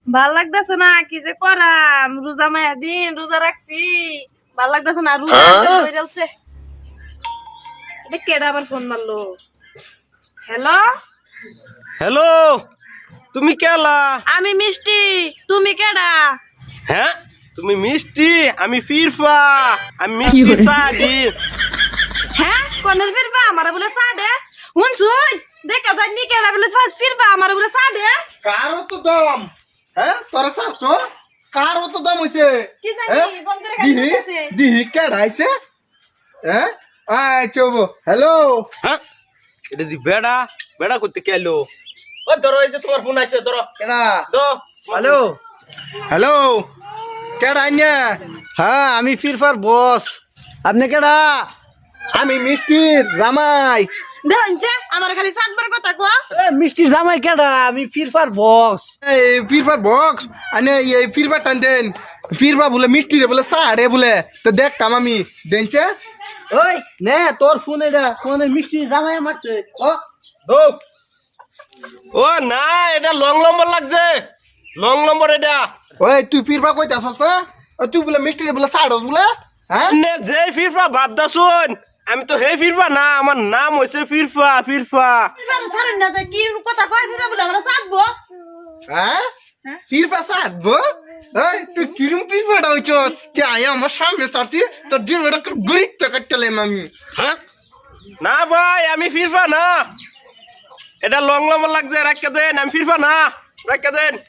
ভাল লাগতেছে না, কি যে করাম। রোজা মায়া দিন রোজা রাখছি, ভাল লাগতেছে না। রোজা হইছে। এটা কেডা আবার ফোন মারলো? হ্যালো, হ্যালো, তুমি কেলা? আমি মিষ্টি, তুমি কেডা? হ্যাঁ, তুমি মিষ্টি, আমি ফিরফা। আমি মিষ্টি সাদি। হ্যাঁ, কোনের ফিরবা আমার বলে সাডে? হুন শুন, দেখা যায়নি কেডা বলে ফার্স্ট ফিরবা আমার বলে সাডে? কারো তো দম, হ্যাঁ তোরা স্যার তো কারো তো দম হইছে। কি জানি ফোন করে দিহি কাছে। দিহি কেডাইছে? হ্যাঁ আচ্ছা হ্যালো। হ্যাঁ, এটা দি বেড়া বেড়া করতে কেলো। ও ধরো, এই যে তোমার ফোন আইছে, ধরো। কেডা? দো। হ্যালো। হ্যালো কেডাইনে? হ্যাঁ, আমি ফিরফার বস। আপনি কেডা? আমি মিষ্টির জামাই। দেখছে আমার খালি সাতবার কথা কো। এ মিষ্টি জামাই কেডা? আমি ফিরফার বস। এই ফিরবার বক্স আনে এই ফিরবার টান দেন। ফিরবা বলে মিষ্টি রে বলে সাড়ে বলে তো দেখতাম আমি দেনছে। ওই নে তোর ফোন এটা, ফোনে মিষ্টি জামাই মারছে। ও দো। ও না, এটা লং নম্বর লাগছে, লং নম্বর এটা। ওই তুই ফিরবা কইতে আসছ না? তুই বলে মিষ্টি রে বলে সাড়স বলে? হ্যাঁ নে যে ফিরফা ভাবদা শুন, আমি তো হে ফিরফা না, আমার নাম হইছে ফিরফা। ফিরফা ফিরবা ছাড়ুন না, যে কি কথা কয় ফিরবা বলে আমরা সাতবো। হ্যাঁ ফিরবা সাড়বো? এই তুই কিরম ফিরবাটা হইছ? তে আয়া আমার সামনে সারছি তো ডিমেটা গরিব টাকা চলে আমি। হ্যাঁ, না ভাই, আমি ফিরফা না, এটা লং নম্বর লাগছে, রাখা দেন। আমি ফিরফা না, রাখা দেন।